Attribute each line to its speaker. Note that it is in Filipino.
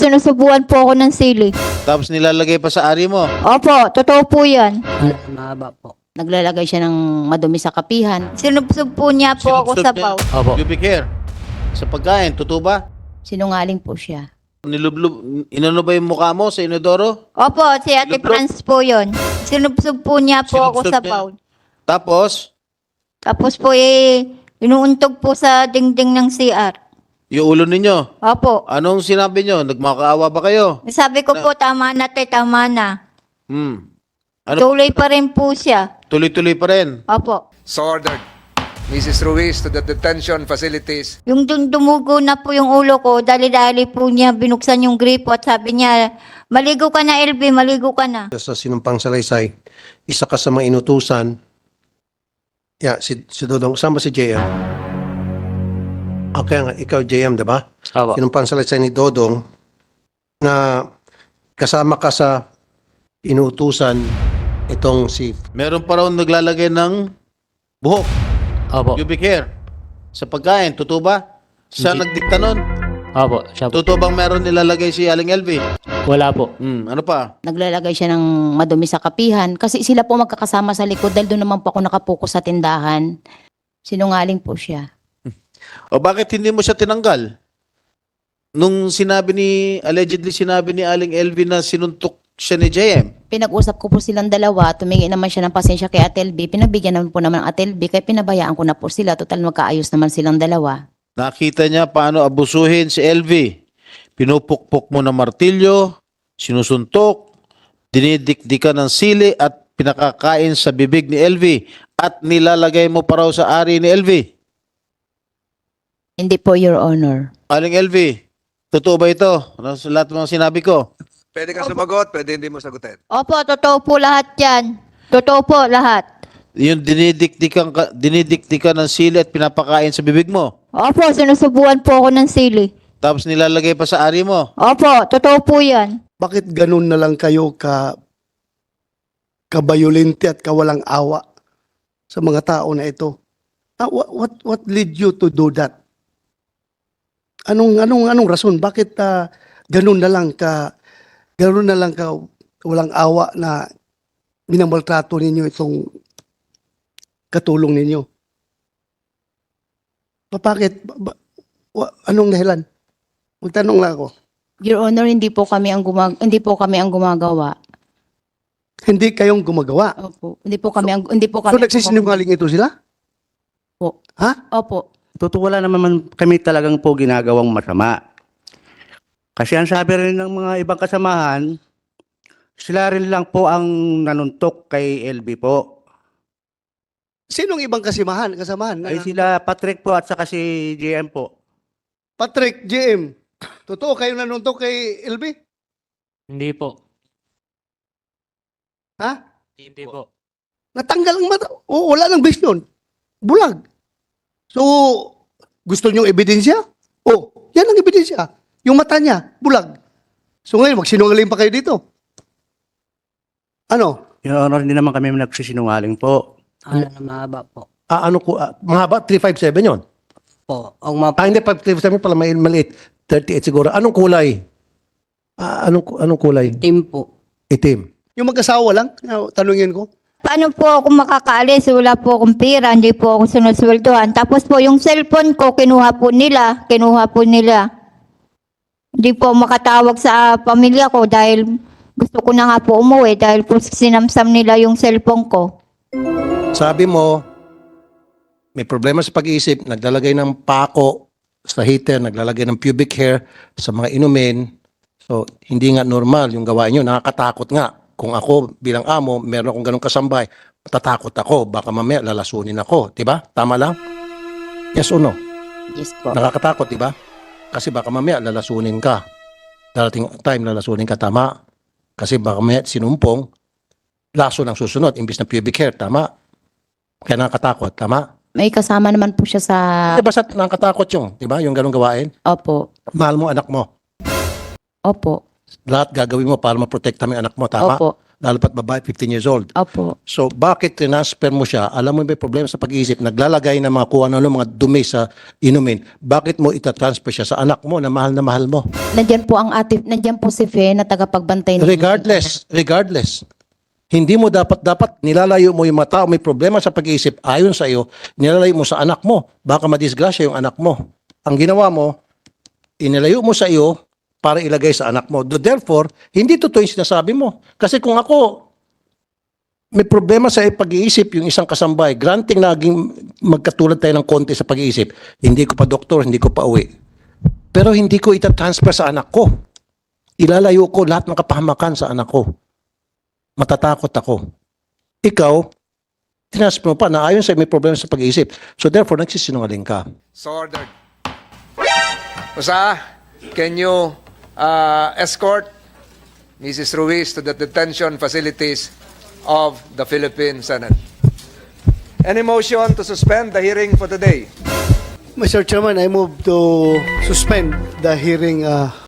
Speaker 1: Sinusubuan po ako ng sili.
Speaker 2: Tapos nilalagay pa sa ari mo.
Speaker 1: Opo, totoo po yan.
Speaker 3: Mahaba po. Naglalagay siya ng madumi sa kapihan.
Speaker 1: Sinubsob po niya po ako
Speaker 2: Sinubsob
Speaker 1: sa
Speaker 2: niya?
Speaker 1: paw.
Speaker 3: Opo.
Speaker 2: Pubic hair. Sa pagkain, totoo ba?
Speaker 3: Sinungaling po siya.
Speaker 2: Nilublob, inano ba yung mukha mo sa inodoro?
Speaker 1: Opo, si Ate
Speaker 2: Sinubsob?
Speaker 1: Franz po yun. Sinubsob po niya po ako
Speaker 2: Sinubsob
Speaker 1: sa
Speaker 2: niya?
Speaker 1: paw.
Speaker 2: Tapos,
Speaker 1: Tapos po inuuntog po sa dingding ng CR.
Speaker 2: yung ulo ninyo.
Speaker 1: Opo.
Speaker 2: Anong sinabi nyo? Nagmakaawa ba kayo?
Speaker 1: Sabi ko po, tama na te, tama na.
Speaker 2: Ano?
Speaker 1: Tuloy pa rin po siya.
Speaker 2: Tuloy-tuloy pa rin.
Speaker 1: Opo.
Speaker 4: So ordered. Mrs. Ruiz to the detention facilities.
Speaker 1: Yung dumugo na po yung ulo ko, dali-dali po niya binuksan yung gripo at sabi niya, maligo ka na LB, maligo ka na.
Speaker 5: Sa sinumpang salaysay, isa ka sa mga inutusan. Si Dodong, saan ba si JM? Okay nga, ikaw JM, diba?
Speaker 3: Opo.
Speaker 5: Sinumpang salaysay ni Dodong na kasama ka sa inutusan itong si...
Speaker 2: Meron pa raw naglalagay ng buhok,
Speaker 3: Opo.
Speaker 2: pubic hair. Sa pagkain, totoo ba? Siya nagdikta nun.
Speaker 3: Opo. Siya po.
Speaker 2: Totoo bang meron nilalagay si Aling LV?
Speaker 3: Wala po.
Speaker 2: Ano pa?
Speaker 3: Naglalagay siya ng madumi sa kapihan. Kasi sila po magkakasama sa likod dahil doon naman po ako nakapokus sa tindahan. Sinungaling po siya.
Speaker 2: O bakit hindi mo siya tinanggal? Nung allegedly sinabi ni Aling LV na sinuntok siya ni JM.
Speaker 3: Pinag-usap ko po silang dalawa. Tumingin naman siya ng pasensya kay Ate LB. Pinagbigyan naman po naman ang Ate LB. Kaya pinabayaan ko na po sila. Total magkaayos naman silang dalawa.
Speaker 2: Nakita niya paano abusuhin si LV. Pinupukpok mo ng martilyo, sinusuntok, dinidikdikan ng sili at pinakakain sa bibig ni LV at nilalagay mo pa raw sa ari ni LV.
Speaker 3: Hindi po, Your Honor.
Speaker 2: Aling LV, totoo ba ito? Ano sa lahat ng mga sinabi ko?
Speaker 4: Pwede kang sumagot, pwede hindi mo sagutin.
Speaker 1: Opo, totoo po lahat yan. Totoo po lahat.
Speaker 2: Yung dinidikdikan ng sili at pinapakain sa bibig mo.
Speaker 1: Opo, sinusubuan po ako ng sili.
Speaker 2: Tapos nilalagay pa sa ari mo.
Speaker 1: Opo, totoo po yan.
Speaker 6: Bakit ganun na lang kayo kabayolente at kawalang awa sa mga tao na ito? What led you to do that? Anong rason? Bakit ganun na lang ka walang awa na minamaltrato ninyo itong katulong ninyo? Bakit? Anong dahilan? Magtanong lang ako.
Speaker 3: Your Honor, hindi po kami ang gumagawa.
Speaker 6: Hindi kayong gumagawa.
Speaker 3: Opo. Hindi po kami
Speaker 6: So nagsisinungaling ito sila?
Speaker 3: Po.
Speaker 6: Ha?
Speaker 3: Opo.
Speaker 7: Totoo wala naman kami talagang po ginagawang masama. Kasi ang sabi rin ng mga ibang kasamahan, sila rin lang po ang nanuntok kay LB po.
Speaker 6: Sinong ibang kasamahan?
Speaker 7: Ay sila Patrick po at saka si JM po.
Speaker 6: Patrick, JM. Totoo kayo nanuntok kay LB?
Speaker 8: Hindi po.
Speaker 6: Ha?
Speaker 8: Hindi po.
Speaker 6: Natanggal ang mata. O, wala nang base nun. Bulag. So, gusto niyong ebidensya? O, yan ang ebidensya. Yung mata niya, bulag. So ngayon, magsinungaling pa kayo dito. Ano?
Speaker 7: Your Honor, hindi naman kami nagsisinungaling po.
Speaker 3: Ano na mahaba po.
Speaker 5: Mahaba, 357 yun.
Speaker 3: Po. Ang mga
Speaker 5: Hindi, 537 pala maliit. 38 siguro. Anong kulay? Anong kulay?
Speaker 3: team po.
Speaker 5: Itim.
Speaker 6: Yung mag-asawa lang, tanungin ko.
Speaker 1: Paano po ako makakaalis? Wala po akong pera, hindi po ako sinusweldohan. Tapos po yung cellphone ko, kinuha po nila. Hindi po makatawag sa pamilya ko dahil gusto ko na nga po umuwi dahil po sinamsam nila yung cellphone ko.
Speaker 5: Sabi mo, may problema sa pag-iisip, naglalagay ng pako sa heater, naglalagay ng pubic hair sa mga inumin. So, hindi nga normal yung gawain nyo. Nakakatakot nga. Kung ako bilang amo, meron akong ganong kasambay, matatakot ako. Baka mamaya lalasunin ako. Diba? Tama lang? Yes or no?
Speaker 3: Yes po.
Speaker 5: Nakakatakot, diba? Kasi baka mamaya lalasunin ka. Darating time lalasunin ka, tama? Kasi baka mamaya sinumpong, laso ng susunod, imbis na pubic hair, tama? Kaya nakakatakot, tama?
Speaker 3: May kasama naman po siya sa...
Speaker 5: Diba sa nakakatakot yung, diba? Yung ganong gawain?
Speaker 3: Opo.
Speaker 5: Mahal mo anak mo.
Speaker 3: Opo.
Speaker 5: lahat gagawin mo para maprotekta mo yung anak mo, tama?
Speaker 3: Opo.
Speaker 5: Lalo pat babae, 15 years old.
Speaker 3: Opo.
Speaker 5: So, bakit transfer mo siya? Alam mo may problema sa pag-iisip, naglalagay ng mga kung ano mga dumi sa inumin. Bakit mo itatransfer siya sa anak mo na mahal mo?
Speaker 3: Nandiyan po si Fe na tagapagbantay ng
Speaker 5: Regardless. Hindi mo dapat nilalayo mo yung mata o may problema sa pag-iisip ayon sa iyo, nilalayo mo sa anak mo. Baka madisgrasya yung anak mo. Ang ginawa mo, inilayo mo sa iyo para ilagay sa anak mo. Therefore, hindi totoo yung sinasabi mo. Kasi kung ako, may problema sa pag-iisip yung isang kasambay, granting naging magkatulad tayo ng konti sa pag-iisip, hindi ko pa doktor, hindi ko pa uwi. Pero hindi ko itatransfer sa anak ko. Ilalayo ko lahat ng kapahamakan sa anak ko. Matatakot ako. Ikaw, transfer mo pa na ayon sa may problema sa pag-iisip. So therefore, nagsisinungaling ka.
Speaker 4: So ordered. Usa, can you escort Mrs. Ruiz to the detention facilities of the Philippine Senate? Any motion to suspend the hearing for today?
Speaker 6: Mr. Chairman, I move to suspend the hearing